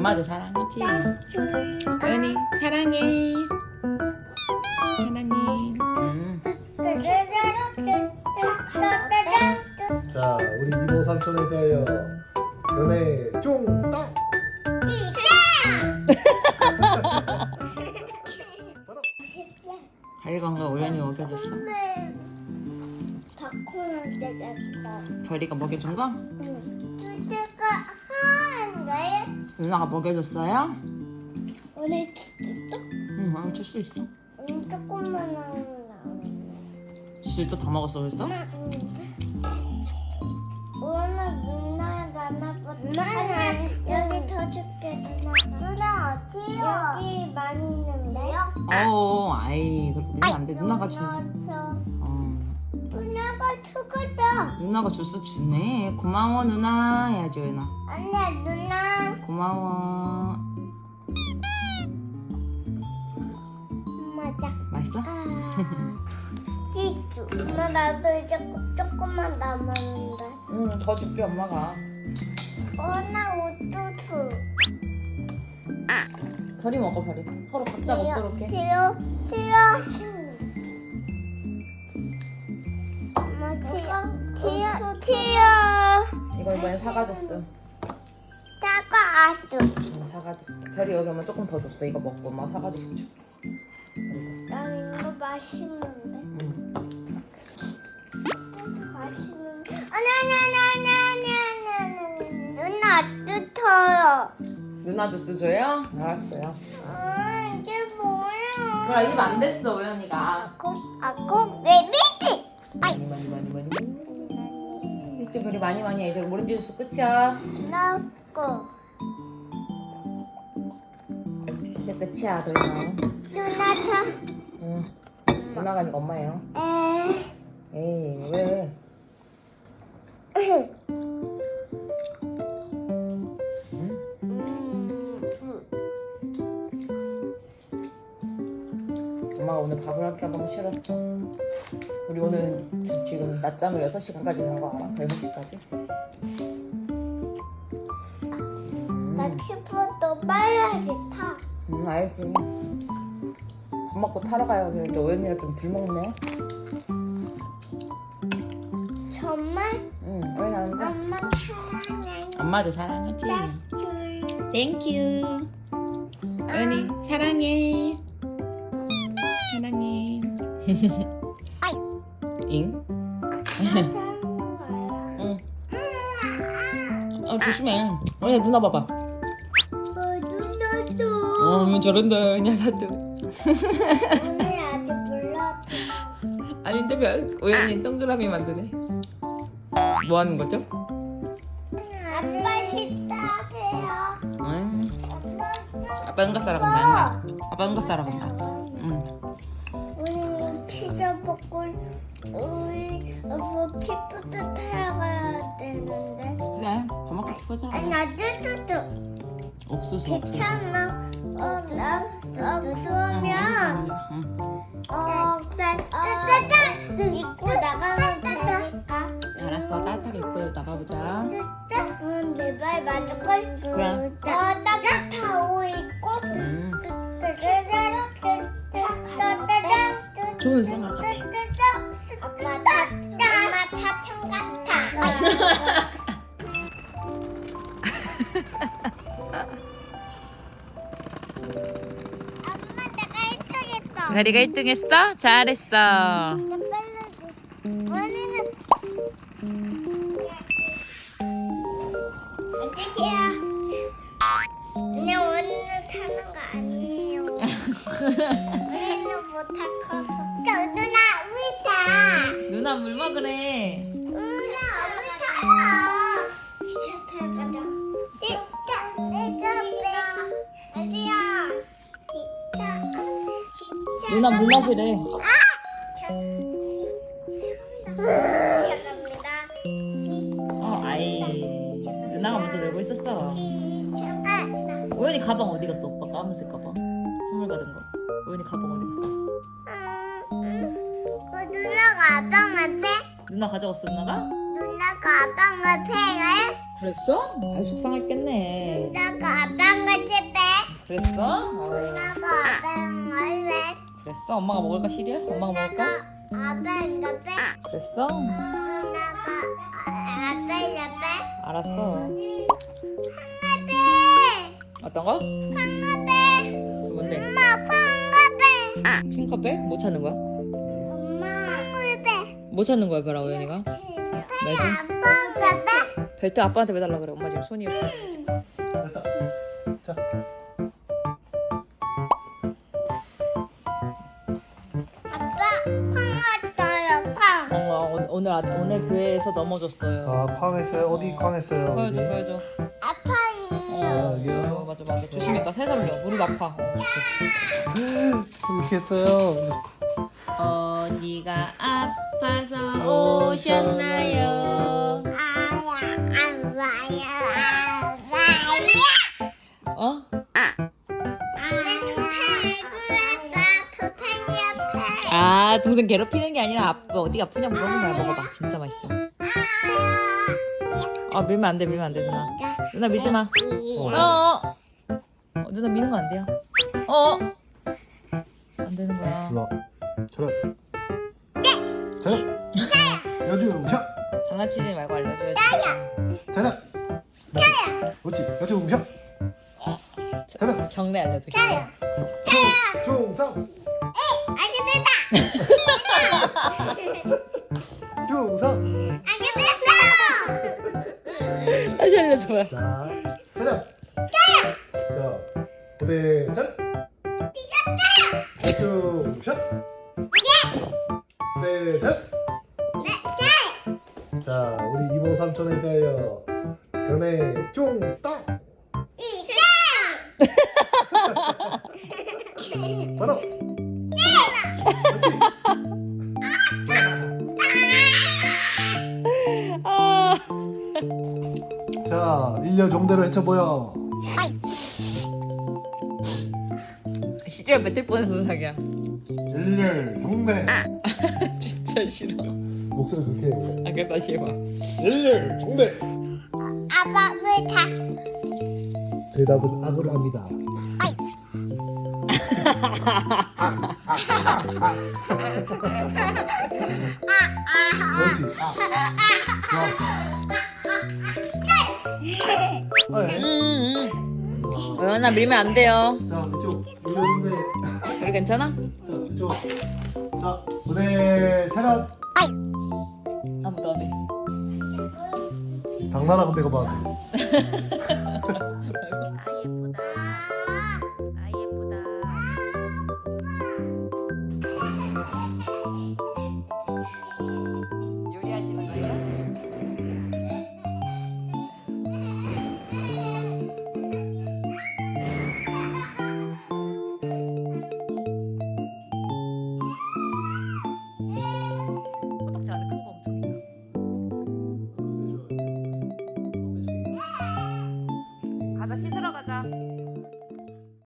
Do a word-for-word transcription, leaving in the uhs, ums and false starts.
엄마도 사랑하지. 은이 사랑해. 사랑해. 음. 자, 우리 이모 삼촌에 대하여 연애 쫑땅. 별이가 우연히 먹여줬어? 다콘한테 냈어. 별이가 먹여준 거? 응. 주제가 하는데 누나가 먹여줬어요? 오늘 주제가 응, 응, 줄 수 있어. 오늘 조금만 나오네. 줄 수 있어? 다 먹었어 벌써? 오늘 누나 나나보다 여기 더 줄게. 누나 누나 어디요? 여기 많이 있는데요? 어, 아이 그렇게 밀면 안 돼. 누나가 준대. 어, 누나가 죽었다. 누나가 주스 주네. 고마워 누나 해야지 은아. 안돼 누나. 고마워. 맞아. 맛있어? 찌쭈. 엄마 나도 이제 조금만 남았는데. 응, 더 줄게 엄마가. 어나 우뚜투. 별이 먹어 별이. 서로 각자 먹도록 해. 티어 티어. 엄마 티어 티어 티어. 이거 이번에 사과 줬어. 사과 아수. 응, 사과 줬어. 별이 여기 오면 조금 더 줬어. 이거 먹고 엄마 사과 줬어 줄게. 난 이거 맛있는데. 응. 맛있는데. 아니 아니 아니 아니 아니 아니. 누나 뜨터요. 누나 주스 줘요? 알았어요. 아 이게 뭐야? 그래 입 안 됐어 우연이가. 아콩 아콩 베비지. 많이 많이 많이 많이. 이제 별이 많이 많이 해. 이제 오렌지 주스 끝이야. 나고 이제 끝이야 더 이상. 누나 응. 누나가 아니고 엄마예요. 타. 에. 에이 왜? 엄마가 오늘 밥을 할게 너무 싫었어. 우리 오늘 지- 지금 낮잠을 여섯 시간까지 잔 거 알아? 여섯 시까지? 나 키보드 빨리 타. 응 알지. 밥 먹고 타러 가요. 근데 오연이가 좀 덜 먹네. 정말? 응 오연이 안 돼. 엄마 사랑해. 엄마도 사랑하지. 줄. 땡큐. 오연이 사랑해. 사랑해. 잉? 응. 어 조심해. 오연이 누나 봐봐. 어, 누나도. 어 저런다. 야 나도. 오늘 아직 몰라. 아닌데 별. 오연이 동그라미 만드네. 뭐 하는 거죠? 아빠 식탁이에요. 응. 아빠 아빠 응가 싸러 간다. 응가. 아빠 응가 싸러 간다. 응. 우리 피자 먹고 우리 뭐 키보드 타러 가야 되는데. 그래. 밥 먹고 키보드 아니 하자. 나도 옥수수 옥수수. 괜찮아. 어나 그러면 응. 어 따따따 입고 나가면 되니까. 알았어. 따뜻하게 입고 나가보자. 진짜? 응, 내 발 맞을 걸. 그래. 어 따뜻한 옷 입고. 응. 따따따따따따따따. 좋은 생각 같아. 아빠 다 엄마 사촌 같아. 엄마 내가 일 등 했어. 별이가 일 등 했어? 잘했어. 원래는 안녕하세요. 근데 원래는 타는 거 아니에요. 원래는 못할 거. 저 누나 우리 타. 누나 물 먹으래. 누나 우리 타요. 기차 타러 가자. 기차 내가 내가 아지야. 기차 기차. 누나 물 마시래. 감사합니다. 어, 아이. 누나가 먼저 놀고 있었어. 아, 오연이 가방 어디 갔어? 오빠 까만색 가방. 선물 받은 거. 오연이 가방 어디 갔어? 음, 그 누나가 아빠한테 누나 가져갔어 누나가? 누나가 아빠한테 팽을 그랬어? 아이 속상했겠네. 나가 아빠가 집에. 그랬어? 어, 나가 아빠랑 할래. 그랬어? 엄마가 먹을까 시리얼? 엄마가 먹을까? 아빠랑 옆에. 그랬어? 누나가 아빠 옆에. 알았어. 황가배. 어떤 거? 황가배. 뭔데? 엄마 황가배. 핑커백? 뭐 찾는 거야? 엄마. 황가배. 뭐 찾는 거야 벼라 우연이가? 매주? 아빠 가배. 벨트 아빠한테 매달라 그래. 엄마 지금 손이 됐다. 자, 아빠 팡 왔어요 팡. 어, 오- 오늘 아- 오늘 교회에서 넘어졌어요. 아, 쾅했어요? 어디 쾅했어요? 보여줘 어디? 보여줘. 아파요. 어, 여기요? 어, 맞아 맞아. 조심히 가. 새살려. 무릎 아파. 어, 이렇게 했어요. 어디가 아파서 오셨나요? 아야 아빠야 아빠야. 어? 아 동생 괴롭히는 게 아니라 아빠 어디가 아프냐 물어본 거야. 먹어봐. 진짜 맛있어. 아 밀면 안 돼. 밀면 안 돼 누나. 누나 밀지 마. 어, 어. 어 누나 미는 거 안 돼요. 어. 안 되는 거야. 일로 와. 저런. 저런. 여주 셔. 장난치지 말고 알려줘야지. 저런. 그렇지. 여주 셔. 저런. 경례 알려줘. 중성. 알게 중성. 됐다. 알게 됐어. 다시 알려줘요. 자, 저런. 자, 고대 저런. 여주 셔. 네, 저런. 자, 우리 이모 삼촌에 대하여 연애 쫑땅 바로 아. 자, 일년 종대로 헤쳐보여. 시절 뱉을 뻔했어 자기야. 일년 종대. 진짜 싫어. 목소리 그렇게 해. 아 그래 다시 해봐. 일년 종대. 아빠 왜 다? 대답은 악으로 합니다. 그렇지. 아, 좋았어. 아, 예. 음. 어연아 밀면 안 돼요. 자, 이쪽 일년종대. 우리 괜찮아? 자, 이쪽. 자, 무대 세련. 아무도 안 해. 당나라 군대가 봐도.